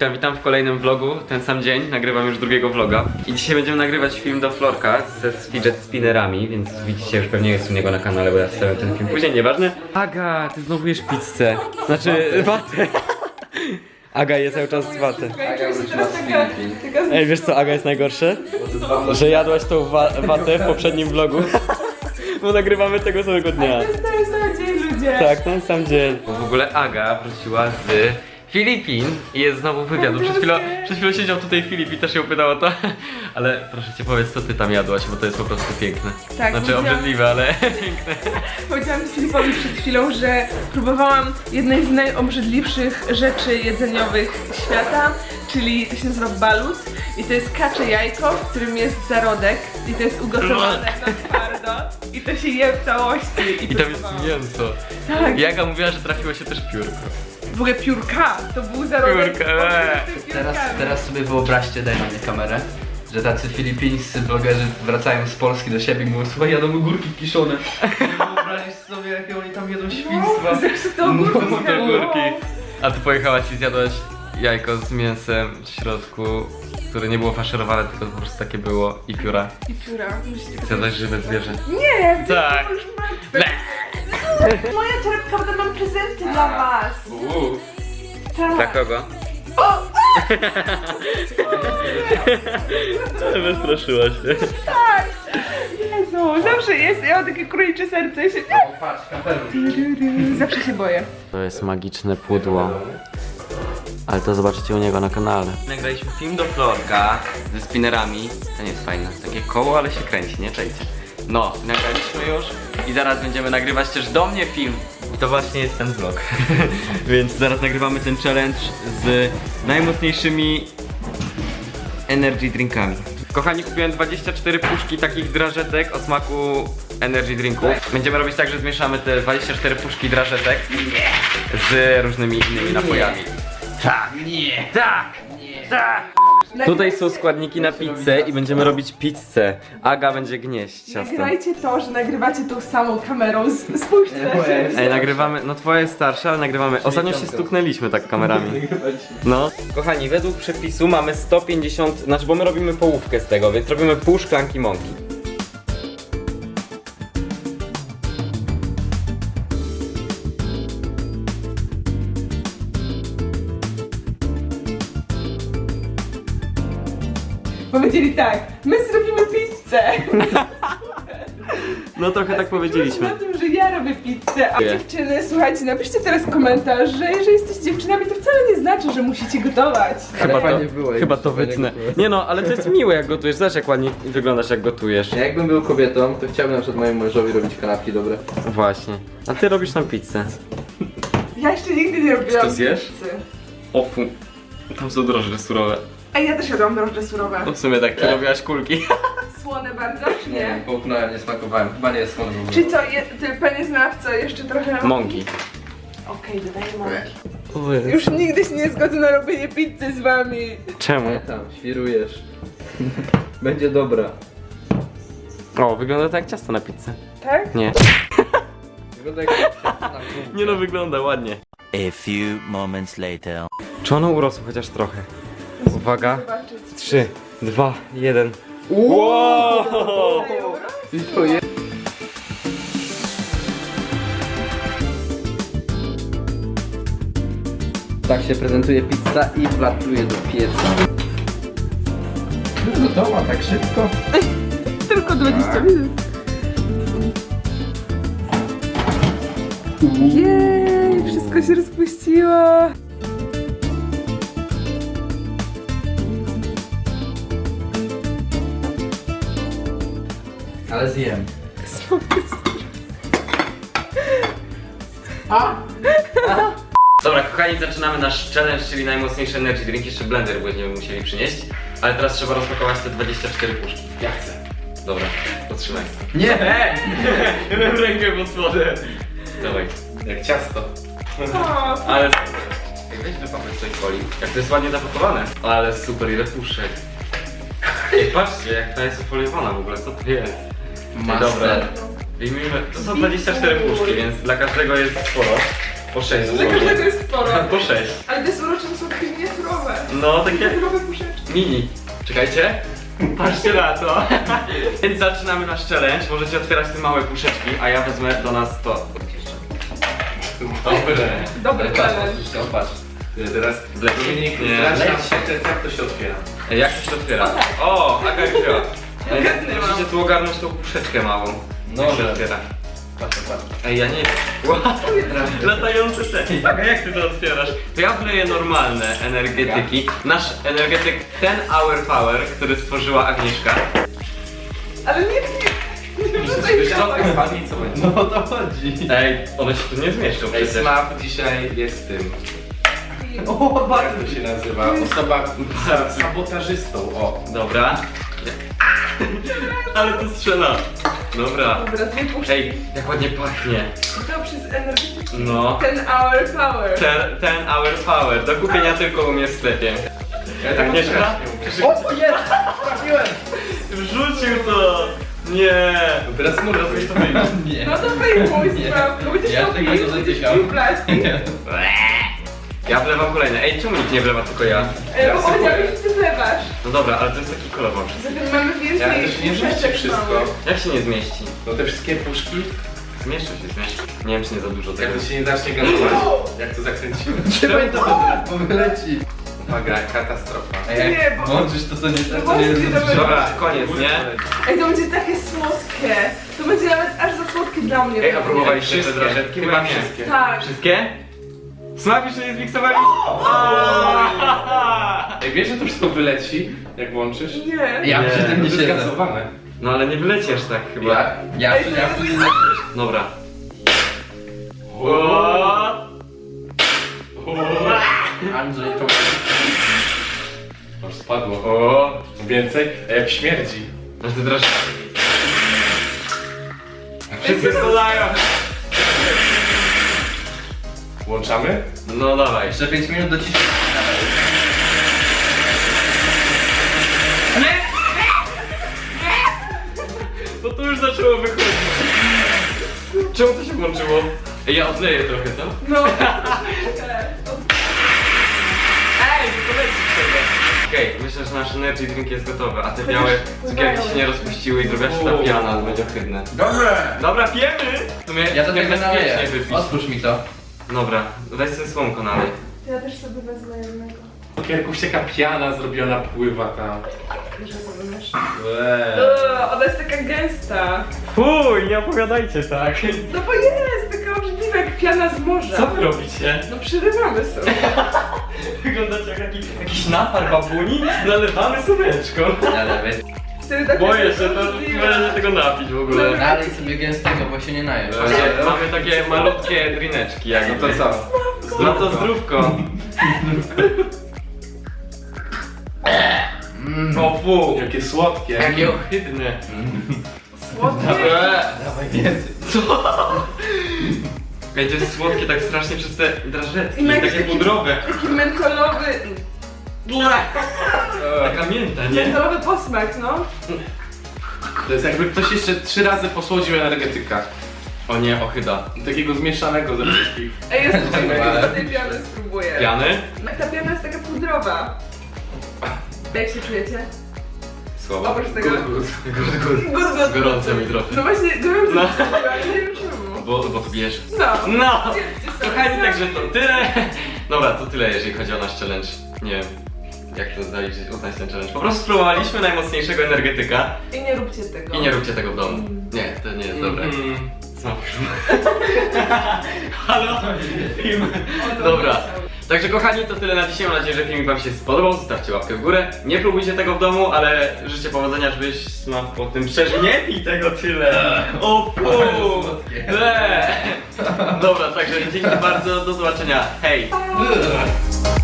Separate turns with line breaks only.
Witam w kolejnym vlogu, ten sam dzień, nagrywam już drugiego vloga. I dzisiaj będziemy nagrywać film do Florka ze fidget spinnerami, więc widzicie, już pewnie jest u niego na kanale, bo ja wstawiam ten film później, nieważne. Aga, ty znowu jesz pizzę, znaczy watę. Aga je cały czas watę. Ej, wiesz co Aga jest najgorsze? Że jadłaś tą watę w poprzednim vlogu. Bo nagrywamy tego samego dnia.
To jest ten sam dzień, ludzie.
Tak, ten sam dzień. Bo w ogóle Aga wróciła z Filipin i jest znowu wywiadu. Przed chwilą siedział tutaj Filip i też ją pytał o to. Ale proszę cię powiedz, co ty tam jadłaś, bo to jest po prostu piękne.
Tak,
znaczy obrzydliwe, ale piękne.
Powiedziałam Filipowi przed chwilą, że próbowałam jednej z najobrzydliwszych rzeczy jedzeniowych świata, czyli to się nazywa balut i to jest kacze jajko, w którym jest zarodek i to jest ugotowane na twardo i to się je w całości.
I tam jest mięso.
Tak.
I Aga mówiła, że trafiło się też piórko.
W ogóle piórka, to był zarodek.
Piórka,
Teraz sobie wyobraźcie, daj na mnie kamerę, że tacy filipińscy blogerzy wracają z Polski do siebie i mówią: słuchaj, jadą ogórki kiszone. Wyobraź sobie, jakie oni tam jedzą świństwa.
Zepsute ogórki.
Ogórki. A ty pojechałaś i zjadłaś jajko z mięsem w środku, które nie było faszerowane, tylko po prostu takie było i pióra.
I pióra. Musicie
Zjadłaś żywe zwierzę.
Nie,
Tak.
to już martwe. Moja torebka, bo tam mam prezenty dla was. Tak.
Dla kogo? Wystraszyłaś się.
Tak! Jezu, zawsze jest, ja mam takie królicze serce się...
Patrz, kapelusz.
Zawsze się boję.
To jest magiczne pudło. Ale to zobaczycie u niego na kanale. Nagraliśmy film do Florka ze spinnerami. To nie jest fajne. Takie koło, ale się kręci, nie? Czekajcie. No, nagraliśmy już i zaraz będziemy nagrywać też do mnie film. I to właśnie jest ten vlog. Więc zaraz nagrywamy ten challenge z najmocniejszymi energy drinkami. Kochani, kupiłem 24 puszki takich drażetek o smaku energy drinków. Będziemy robić tak, że zmieszamy te 24 puszki drażetek z różnymi innymi napojami. Tak, nie, tak, nie, tak. Tutaj są składniki na pizzę i będziemy robić pizzę. Aga będzie gnieść ciasto.
Nagrajcie to, że nagrywacie tą samą kamerą. Spójrzcie na siebie.
Ej, nagrywamy, no twoja jest starsza, ale nagrywamy. Ostatnio się stuknęliśmy tak kamerami. No. Kochani, według przepisu mamy 150, znaczy bo my robimy połówkę z tego, więc robimy pół szklanki mąki.
Powiedzieli tak, my zrobimy pizzę.
No trochę tak powiedzieliśmy.
Na tym, że ja robię pizzę, a dziewczyny, słuchajcie, napiszcie teraz komentarz, że jeżeli jesteście dziewczynami, to wcale nie znaczy, że musicie gotować.
Chyba to wytnę. Nie no, ale to jest miłe jak gotujesz, zobacz jak ładnie wyglądasz jak gotujesz.
Ja jakbym był kobietą, to chciałbym na przykład mojemu mężowi robić kanapki dobre.
Właśnie. A ty robisz nam pizzę.
Ja jeszcze nigdy nie robiłam
to zjesz?
pizzy.
O fu. Tam są drożdże surowe.
A ja też jadłam drożdże surowe.
No w sumie tak, ty robiłaś kulki.
Słone bardzo, czy nie?
Połknąłem, nie smakowałem. Chyba nie jest słone w ogóle.
Czyli co, ty panie znawco, jeszcze trochę...
Mąki.
Okej, dodaję mąki. Już nigdy się nie zgodzę na robienie pizzy z wami.
Czemu?
Nie tam, świrujesz. Będzie dobra.
O, wygląda tak jak ciasto na pizzę.
Tak?
Nie.
Wygląda jak ciasto na gumkę.
Nie no, wygląda ładnie.
A few moments later.
Czy ono urosło chociaż trochę? Uwaga.
Zobaczyć.
3, 2, 1. Wow!
I to jest... Tak się prezentuje pizza i wlatuje do pieca. Gotowa tak szybko?
Tylko 20 minut. Jej, wszystko się rozpuściło.
Ale zjem.
Dobra, kochani, zaczynamy nasz challenge, czyli najmocniejszy energy drink. Jeszcze blender będziemy musieli przynieść. Ale teraz trzeba rozpakować te 24 puszki.
Ja chcę.
Dobra, potrzymaj.
Nie!
Rękę pod spodem. Dawaj.
Jak ciasto.
O,
Ale... Weź wypakuj z tej folii. Jak to jest ładnie zapakowane. Ale super, ile puszek. Ej, patrzcie, jak ta jest ufoliowana w ogóle, co to jest? Dobra. Wyjmijmy, to są 24 puszki, więc dla każdego jest sporo. Po 6
dla każdego jest sporo.
Po 6.
Ale te słodycze są takie miniaturowe.
No, takie
Nowe puszeczki.
mini. Czekajcie. Patrzcie na to. Więc zaczynamy nasz challenge. Możecie otwierać te małe puszeczki, a ja wezmę do nas to.
Dobre.
Dobry challenge.
Patrz. Teraz
Dominik, nie.
jak to się otwiera.
Jak to się otwiera? O, Aga wzięła.
Ogarnęłam.
Musicie tu ogarnąć tą puszeczkę małą.
No,
Jak się
że-
otwiera.
Patrz.
Ej, ja nie wiem. Wow, latające te. Aga, jak ty to otwierasz? To ja wleję normalne energetyki. Nasz energetyk Ten Hour Power, który stworzyła Agnieszka.
Ale nie wrzucaj
Środka
się.
spadnie i co będzie? No o to chodzi.
Ej, one się tu nie zmieszczą
Ej,
przecież.
Smap dzisiaj jest tym. O, jak to się nazywa? Osoba sabotażystą, o.
Dobra. Ale to strzela. Dobra.
Dobra, dwie puszki.
Ej, jak ładnie pachnie.
To przez energetyki.
No.
Ten hour power.
Ten Hour Power. Do kupienia tylko u mnie w sklepie.
tak
Agnieszka?
O, jest! Trafiłem!
Wrzucił to! Nie!
Teraz mu rozumiesz to wyjdzie. Nie.
No to wyjmuj sprawę. Będziesz
Ja
miał
tego nie dotykam.
pił plastik.
Ja wlewam kolejne. Ej, czemu nikt nie wlewa, tylko ja?
Bo powiedziałeś, że ty wlewasz.
No dobra, ale to jest taki kolor mam.
Zatem mamy
Ja
więcej
to się nie zmieści
puszeczek
wszystko.
małych.
Jak się nie zmieści?
No te wszystkie puszki,
Zmieszczą się, zmieszczą. Nie wiem, czy nie za dużo tego.
jak to się nie zacznie gazować, jak to zakręciłem. Trzymaj to, bo wyleci. Uwaga, katastrofa.
Nie, bo...
Włączysz to, co nie tak,
No właśnie, dobra.
Dobra, koniec, nie?
Ej, to będzie takie słodkie. To będzie nawet aż za słodkie dla mnie.
Ej, a próbowaliście te
Wszystkie.
drażetki?
Chyba
nie.
wszystkie.
Tak.
Wszystkie? Smak jeszcze nie zmiksowali?
Ej, wiesz, że to wszystko wyleci, jak włączysz?
Nie.
Ja
Nie.
przy tym nie
To
siedzę.
jest
Zgazowane.
No ale nie wylecisz tak chyba.
Ja
Ej, to jest-
wtedy
Dobra.
Andrzej, to... Już spadło.
O,
Więcej? A jak śmierdzi.
aż ty draż... Wszyscy spadają.
Włączamy?
No dawaj.
Jeszcze 5 minut do ciszy.
No to już zaczęło wychodzić. Czemu to się włączyło? Ej, ja odleję trochę, co?
No.
Ej, to leci sobie. Okej, myślę, że nasz energy drink jest gotowy, a te białe cukierki się nie rozpuściły i zrobiła się ta piana, to będzie ohydne.
Dobre!
Dobra, pijemy! W sumie
Ja to tego
niebezpiecznie
naleję.
wypić.
Otwórz mi to.
Dobra, weź sobie słomko nalej.
Ja też sobie wezmę jednego.
Cukierków się taka piana zrobiona, pływa tam.
Że to wymiesz. Ona jest taka gęsta.
Fuj, nie opowiadajcie tak.
No bo jest taka obrzydliwa jak piana z morza.
Co wy robicie?
No przerywamy sobie.
Wyglądacie jak jakiś napar babuni, nalewamy słoneczko.
Ale
Wtedy tak
Boję się, to będę tego napić w ogóle.
Dobra.
dalej sobie gęstego, bo się nie najesz.
Mamy takie malutkie drineczki jakby.
No to co?
No to zdrówko. O fu.
Jakie słodkie.
Jakie ohydne.
Słodkie.
Dawaj więcej.
Ej, to jest słodkie tak strasznie przez te drażetki,
I ma jakiś
takie
taki-
pudrowe.
Taki mentolowy.
Taka mięta, nie?
Mentolowy posmak, no.
To jest jakby ktoś jeszcze 3 razy posłodził energetyka.
O nie, ochyda.
Takiego zmieszanego ze wszystkich.
Ej, jest tutaj
Ale-
z tej piany spróbuję.
Piany?
Ta piana jest taka pudrowa. Jak się czujecie?
Słabo.
Oprócz tego...
Gud.
Gud.
Gorąco mi trochę.
No właśnie, no wiem,
No.
ale nie wiem czemu.
Bo to bierz.
No.
No!
Wiedzcie sobie
Kochani,
sami.
także to tyle. Dobra, to tyle jeżeli chodzi o nasz challenge. Nie wiem, jak to zaliczyć, uznać ten challenge. Po prostu spróbowaliśmy najmocniejszego energetyka
I nie róbcie tego.
i nie róbcie tego w domu. Nie, to nie jest dobre. Znowu. Halo? Film. Dobra. Także kochani, to tyle na dzisiaj. Mam nadzieję, że filmik wam się spodobał. Zostawcie łapkę w górę. Nie próbujcie tego w domu, ale życzę powodzenia, żebyś smak po tym przeżył. Nie pij tego tyle. O fu! Dobra, także dzięki bardzo. Do zobaczenia. Hej!
Pa.